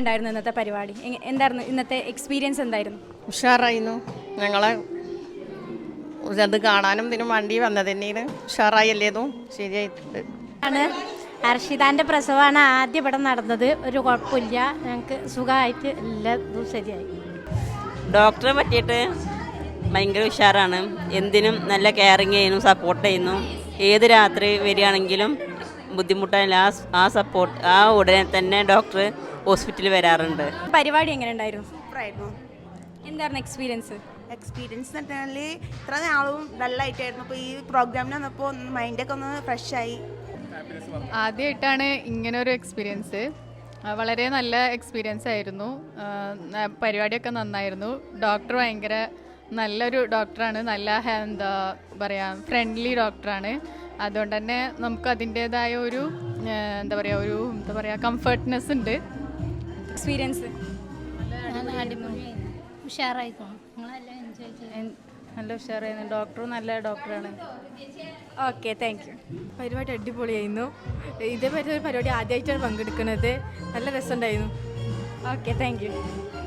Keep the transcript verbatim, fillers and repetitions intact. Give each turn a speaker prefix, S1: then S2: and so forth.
S1: ഉണ്ടായിരുന്നു ഇന്നത്തെ പരിപാടി? എന്തായിരുന്നു ഇന്നത്തെ എക്സ്പീരിയൻസ്? എന്തായിരുന്നു?
S2: ഉഷാറായിരുന്നു. ഞങ്ങളെ അത് കാണാനും ഇതിനും വണ്ടി വന്നത് തന്നെയാണ്. ഉഷാറായല്ലേതും ശരിയായിട്ടുണ്ട്.
S3: ആണ് ഹർഷിതാൻ്റെ പ്രസവമാണ് ആദ്യം ഇവിടെ നടന്നത്. ഒരു കുഴപ്പമില്ല, ഞങ്ങൾക്ക് സുഖമായിട്ട് എല്ലാം ശരിയായി.
S4: ഡോക്ടറെ പറ്റിയിട്ട് ഭയങ്കര ഉഷാറാണ്. എന്തിനും നല്ല കെയറിങ് ചെയ്യുന്നു, സപ്പോർട്ട് ചെയ്യുന്നു. ഏത് രാത്രി വരികയാണെങ്കിലും ബുദ്ധിമുട്ടായില്ല, ആ ആ സപ്പോർട്ട് ആ ഉടനെ തന്നെ ഡോക്ടർ ഹോസ്പിറ്റലിൽ വരാറുണ്ട്.
S1: പരിപാടി എങ്ങനെ ഉണ്ടായിരുന്നു?
S5: സൂപ്പറായിരുന്നു.
S1: എന്തായിരുന്നു എക്സ്പീരിയൻസ്?
S5: എക്സ്പീരിയൻസ് എന്ന് പറഞ്ഞാൽ ഇത്ര നാളും ഡല്ലായിട്ടായിരുന്നു. ഇപ്പോൾ ഈ പ്രോഗ്രാമിന് വന്നപ്പോൾ മൈൻഡൊക്കെ ഒന്ന് ഫ്രഷായി.
S6: ആദ്യമായിട്ടാണ് ഇങ്ങനൊരു എക്സ്പീരിയൻസ്. വളരെ നല്ല എക്സ്പീരിയൻസ് ആയിരുന്നു. പരിപാടിയൊക്കെ നന്നായിരുന്നു. ഡോക്ടർ ഭയങ്കര നല്ലൊരു ഡോക്ടറാണ്. നല്ല എന്താ പറയുക, ഫ്രണ്ട്ലി ഡോക്ടറാണ്. അതുകൊണ്ട് തന്നെ നമുക്ക് അതിൻ്റേതായ ഒരു എന്താ പറയുക ഒരു എന്താ പറയുക കംഫർട്ട്നെസ് ഉണ്ട്.
S1: എക്സ്പീരിയൻസ്
S3: ഉഷാറായിക്കോ, നിങ്ങളെല്ലാം എൻജോയ് ചെയ്യും.
S6: നല്ല ഉഷാറായിരുന്നു. ഡോക്ടറും നല്ല ഡോക്ടറാണ്.
S1: Okay, thank you.
S7: പരിപാടി അടിപൊളിയായിരുന്നു. ഇതേപോലെ ഒരു പരിപാടി ആദ്യമായിട്ടാണ് പങ്കെടുക്കുന്നത്. നല്ല രസമുണ്ടായിരുന്നു.
S1: Okay, thank U.